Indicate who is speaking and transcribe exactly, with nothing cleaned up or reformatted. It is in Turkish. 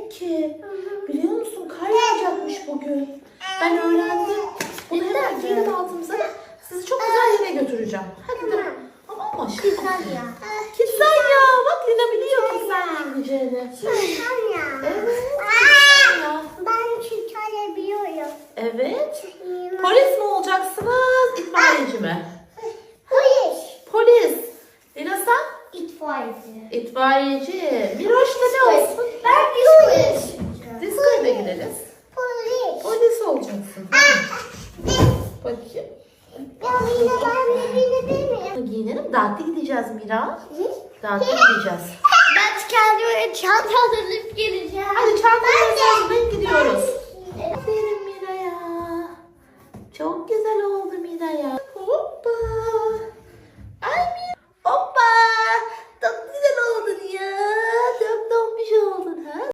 Speaker 1: demek ki. Biliyor musun? Kar yağacakmış bugün. Ben öğrendim. Bunu hemen giyelim altımıza. Sizi çok güzel yere götüreceğim. Hadi de. Ama aşkım.
Speaker 2: Güzel ya.
Speaker 1: Güzel ya. Bak Lina biliyor güzel giyeceğini.
Speaker 2: Güzel ya.
Speaker 1: Evet. Güzel ya.
Speaker 2: Ben güzel biliyorum.
Speaker 1: Evet. Polis mi olacaksınız? İtfaiyeci mi?
Speaker 2: Polis.
Speaker 1: Polis. Lina sen?
Speaker 2: İtfaiyeci.
Speaker 1: İtfaiyeci. Miroş da ne olsun?
Speaker 2: Ben polis.
Speaker 1: Diskoya da gideriz.
Speaker 2: Polis.
Speaker 1: Polis olacaksın. Bakayım.
Speaker 2: Ya Mira ben birbirine değil miyim?
Speaker 1: Giyinelim. Dağıtı gideceğiz Mira.
Speaker 2: Hı?
Speaker 1: Dağıtı gideceğiz.